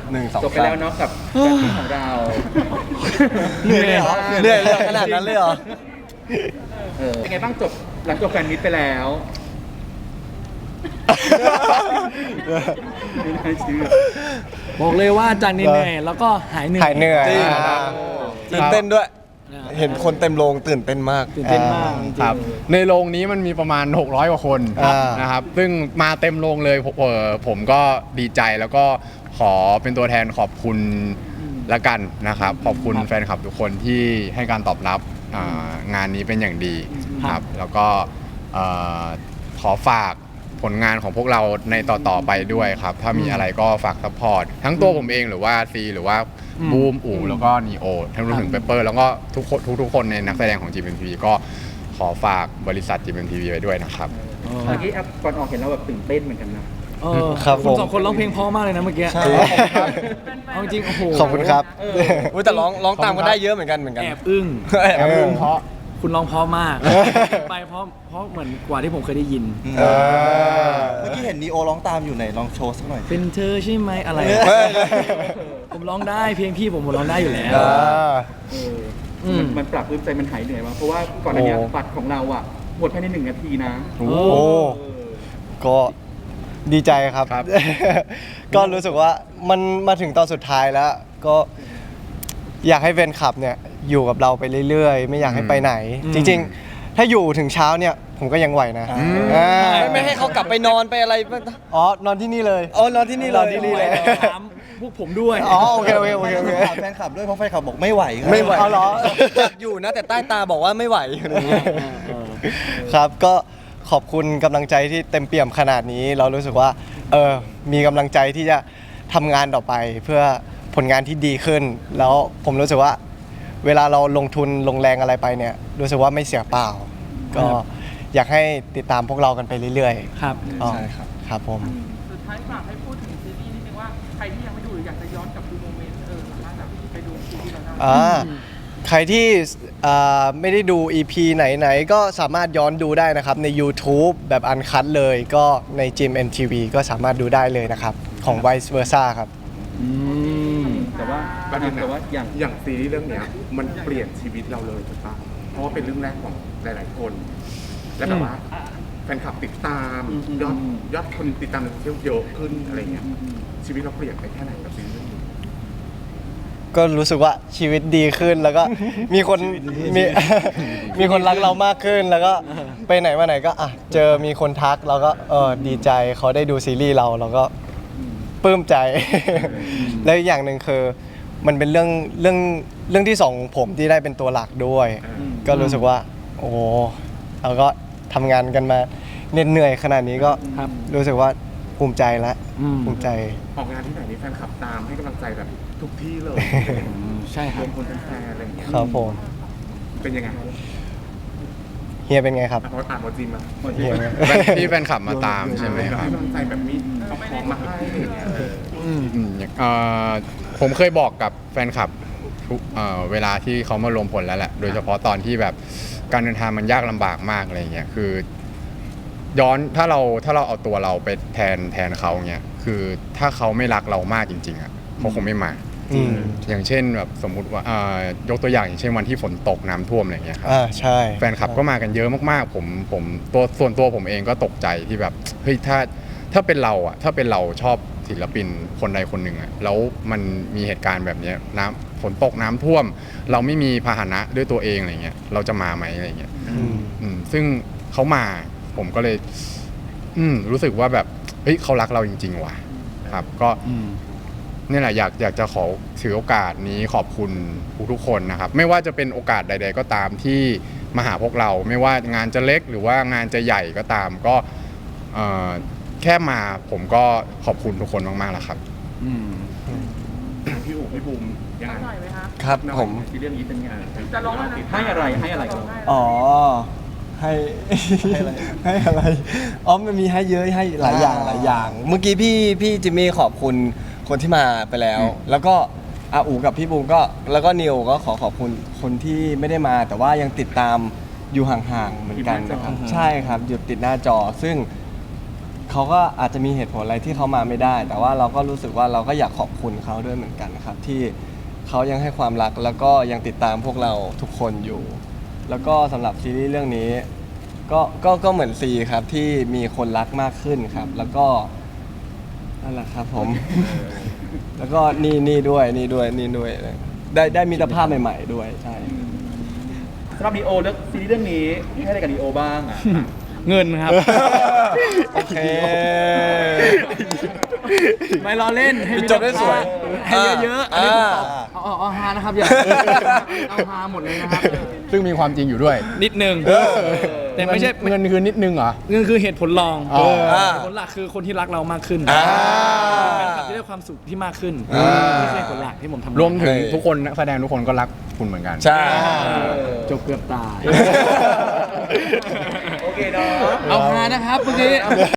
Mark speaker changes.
Speaker 1: 1 2
Speaker 2: จบไปแล้วเนาะกับการของเรา
Speaker 1: เหนื่อยเลยเหรอเหนื่อยเลยขนาดนั้นเลยเหรอ
Speaker 2: เป็นไงบ้างจบหลังจบแฟนมิตไปแล้วไม่น่าเชื่อ
Speaker 3: บอกเลยว่าจากเหนื่อยๆแล้วก็หายเหนื่อย
Speaker 1: หายเหนื่อย
Speaker 4: จริง
Speaker 1: ตื่นเต้นด้วย เห็นคนเต็มโรงตื่นเต้นมาก
Speaker 3: ตื่นเต้นมากจริงๆ
Speaker 4: ครับในโรงนี้มันมีประมาณ600กว่าคน
Speaker 1: อ่าน
Speaker 4: นะครับซึ่งมาเต็มโรงเลยผมก็ดีใจแล้วก็ขอเป็นตัวแทนขอบคุณละกันนะครับขอบคุณแฟนคลับทุกคนที่ให้การตอบรับงานนี้เป็นอย่างดีครับแล้วก็ขอฝากผลงานของพวกเราในต่อๆไปด้วยครับถ้ามีอะไรก็ฝากซัพพอร์ตทั้งตัวผมเองหรือว่าซีหรือว่าบูมอู่แล้วก็นีโอทั้งรวมถึงเปเปอร์แล้วก็ทุกคนในนักแสดงของ GMMTV ก็ขอฝากบริษัท GMMTV ไว้ด้วยนะครับ
Speaker 2: เมื่อกี้ก่อนออกเห็นเราแบบตื่นเต้นเหมือนกันนะ
Speaker 1: ครับ
Speaker 3: คุณ
Speaker 1: ผม
Speaker 3: สองคนร้องเพลงเพราะมากเลยนะเมื่อกี้
Speaker 1: ใช่
Speaker 3: เอาจริงโอ้โห
Speaker 1: ขอบคุณครับ
Speaker 2: เออ
Speaker 1: แต่ร้องตามก็ได้เยอะเหมือนกัน
Speaker 3: แอบอึ้ง
Speaker 1: แอบอึ้งเพราะ
Speaker 3: คุณร้องเพราะมากไปเพราะเหมือนกว่าที่ผมเคยได้ยิน
Speaker 1: เออ
Speaker 5: เมื่อกี้เห็นนีโอร้องตามอยู่ไหนลองโชว์สักหน่อย
Speaker 3: เป็นเธอใช่ไหมอะไร
Speaker 1: เฮ้ย
Speaker 3: ผมร้องได้เพลงพี่ผมร้องได้อยู่แล้ว
Speaker 1: อ่า
Speaker 2: มันปรับปลื้มใจมันหายเหนื่อยมากเพราะว่าก่อนอันเนี้ย
Speaker 1: โอ้
Speaker 2: บัตรของเราอ่ะหมดภายใน1 นาทีนะ
Speaker 1: โอ้
Speaker 3: เอ
Speaker 1: ก็ดีใจครับ
Speaker 4: ครับ
Speaker 1: ก็รู้สึกว่ามันมาถึงตอนสุดท้ายแล้ว ก็อยากให้แฟนคลับเนี่ยอยู่กับเราไปเรื่อยๆ ไม่อยากให้ไปไหน จริงๆ ถ้าอยู่ถึงเช้าเนี่ยผมก็ยังไหวนะไม่ให้เขากลับไปนอนไปอะไรอ๋อนอนที่นี่เลยอ๋อนอนที่นี่เลยนอนที่นี่เลย
Speaker 3: ถามพวกผมด้วย
Speaker 1: อ๋อโอเคโอเคโอเคโอเค
Speaker 5: ถามแฟนคลับด้วยเพราะแฟนคลับบอกไม่ไหวครับ
Speaker 1: ไม่ไหวเอาเหรออยากอยู่นะแต่ใต้ตาบอกว่าไม่ไหวอะไรอย่างเงี้ยครับก็ขอบคุณกำลังใจที่เต็มเปี่ยมขนาดนี้ เรารู้สึกว่ามีกำลังใจที่จะทำงานต่อไปเพื่อผลงานที่ดีขึ้น แล้วผมรู้สึกว่าเวลาเราลงทุนลงแรงอะไรไปเนี่ยรู้สึกว่าไม่เสียเปล่า ก็อยากให้ติดตามพวกเรากันไปเรื่อย
Speaker 3: ครับ
Speaker 1: ๆใช่ครับครับผม
Speaker 6: สุดท้ายฝากให้พูดถึงซีรีส์นิดนึงว่าใครที่ยังไม่ดูหรืออยากจะย้อนกลับดูโมเมนต์สามารถแบบไปดูซีรีส์เราได้
Speaker 1: ใครที่ไม่ได้ดู EP ไหนๆก็สามารถย้อนดูได้นะครับใน YouTube แบบอันคัดเลยก็ใน GMMTV ก็สามารถดูได้เลยนะครับ ของ Vice Versa ครับ
Speaker 2: แต่ว่า
Speaker 7: ประเด็น
Speaker 2: แต่ว่า
Speaker 7: อย่างซีรีส์เรื่องเนี้ยมันเปลี่ยนชีวิตเราเลยถูกปะเพราะว่าเป็นเรื่องแรกของหลายๆคน และแบบว่าแฟนคลับติดตามยอดคนติดตามในโซเชียลเยอะขึ้นอะไรเงี้ยชีวิตเราเปลี่ยนไปแค่ไหนกับซีรีส์เรื่องนี้
Speaker 1: ก็รู้สึกว่าชีวิตดีขึ้นแล้วก็มีคนมีคนรักเรามากขึ้นแล้วก็ไปไหนมาไหนก็เจอมีคนทักเราก็ดีใจเขาได้ดูซีรีส์เราก็ปลื้มใจ แล้วอีกอย่างหนึ่งคือมันเป็นเรื่องที่สองของผมที่ได้เป็นตัวหลักด้วย ก็รู้สึกว่าโอ้โหเราก็ทำงานกันมาเหนื่อยขนาดนี้ก็
Speaker 3: ครับ
Speaker 1: รู้สึกว่าภูมิใจแล้ว ภูมิใจ
Speaker 7: ออกงานที่ไหนนี่แฟนคลับตามให้กำลังใจแบบทุกที่เลย
Speaker 3: ใช่ค
Speaker 7: ร
Speaker 3: รั
Speaker 7: ว
Speaker 3: บ
Speaker 7: มคนเป็นแฟนอะไรอย่างเงี้ย
Speaker 1: ครับผม
Speaker 7: เป็นยังไง
Speaker 1: เฮียเป็นไงครับ
Speaker 7: อ่านหมดจริงมา
Speaker 1: เฮีย
Speaker 4: ที่แฟนคลับมาตามใช่ไหมครับ
Speaker 7: ให้กำลังใจแบบมีเอาของมาให้อะไรอย่างเงี้ย
Speaker 4: ผมเคยบอกกับแฟนคลับทุกเวลาที่เขามารวมพลแล้วแหละ โดยเฉพาะตอนที่แบบการเดินทางมันยากลำบากมากอะไรเงี้ยคือย้อนถ้าเราเอาตัวเราไปแทนเขาเงี้ยคือถ้าเขาไม่รักเรามากจริงๆอ่ะเขาคงไม่มา
Speaker 1: อืม
Speaker 4: อย่างเช่นแบบสมมุติว่ายกตัวอย่างอย่างเช่นวันที่ฝนตกน้ำท่วมอะไรเงี้ยครับ
Speaker 1: ใช่
Speaker 4: แฟนคลับก็มากันเยอะมากๆผมส่วนตัวผมเองก็ตกใจที่แบบเฮ้ยถ้าเป็นเราอ่ะถ้าเป็นเราชอบศิลปินคนใดคนหนึ่งอ่ะแล้วมันมีเหตุการณ์แบบเนี้ยฝนตกน้ำท่วม เราไม่มีพาหนะด้วยตัวเองอะไรเงี้ยเราจะมาไหมอะไรเงี้ยซึ่งเขามาผมก็เลยรู้สึกว่าแบบเฮ้ยเขารักเราจริงๆว่ะครับก็นี่แหละอยากจะขอถือโอกาสนี้ขอบคุณทุกๆคนนะครับไม่ว่าจะเป็นโอกาสใด ๆ ก็ตามที่มาหาพวกเราไม่ว่างานจะเล็กหรือว่างานจะใหญ่ก็ตามก็แค่มาผมก็ขอบคุณทุกคนมากๆแล้วครับ
Speaker 7: พี่อู๋พี่บูมยังไง
Speaker 6: หน่อยไหมคะ
Speaker 1: ครับผม
Speaker 2: ที่เรื่องนี้เป็นไง
Speaker 6: จะร้องแล้วนะ
Speaker 2: ให้อะไรกัน
Speaker 5: อ๋อ ให้ ให้อะไรอ๋อมันมีให้เยอะให้หลายอย่างหลายอย่าง
Speaker 1: เมื่อกี้พี่จิมมี่ขอบคุณคนที่มาไปแล้ว แล้วก็อาอูกับพี่บูมก็แล้วก็นิวก็ขอบคุณคนที่ไม่ได้มา แต่ว่ายังติดตามอยู่ห่างๆเหมือนกันนะครับใช่ครับอยู่ติดหน้าจอซึ่ง
Speaker 5: เขาก็อาจจะมีเหตุผลอะไรที่เขามาไม่ได้ แต่ว่าเราก็รู้สึกว่าเราก็อยากขอบคุณเขาด้วยเหมือนกันนะครับที่เขายังให้ความรักแล้วก็ยังติดตามพวกเราทุกคนอยู่ แล้วก็สำหรับซีรีส์เรื่องนี้ก็เหมือนซีครับที่มีคนรักมากขึ้นครับ แล้วก็นั่นแหละครับผม แล้วก็นี่ด้วยได้มิตรภาพใหม่ๆด้วยใช่
Speaker 2: สำหรับนีโอเรื่องซีรีส์เรื่องนี้ให้อะไรกับนีโอบ้างอ่ะ
Speaker 3: เงินครับ
Speaker 1: โอเค
Speaker 3: ไม่ล้อเล่นให้มี
Speaker 1: จบได้สวย
Speaker 3: ให้เยอะๆอันนี้ผมตอบเอาฮานะครับอย่าเอาฮาหมดเลยนะครับ
Speaker 4: ซึ่งมีความจริงอยู่ด้วย
Speaker 3: นิดนึงแต่ไม่ใช่
Speaker 4: เงินคือนิดนึงเหรอ
Speaker 3: เงินคือเหตุผลรอง
Speaker 4: อ๋อ
Speaker 3: เหตุผลหลักคือคนที่รักเรามากขึ้น
Speaker 1: อ่า
Speaker 3: แฟนคลับที่ได้ความสุขที่มากขึ้นนี่คือเหตุผลหลักที่ผมทำ
Speaker 4: รวมถึงทุกคนนักแสดงทุกคนก็รักคุณเหมือนกัน
Speaker 1: ใช่
Speaker 3: จบเกือบตาย
Speaker 2: โอเคเนาะ
Speaker 3: เอาฮานะครับเมื่อกี้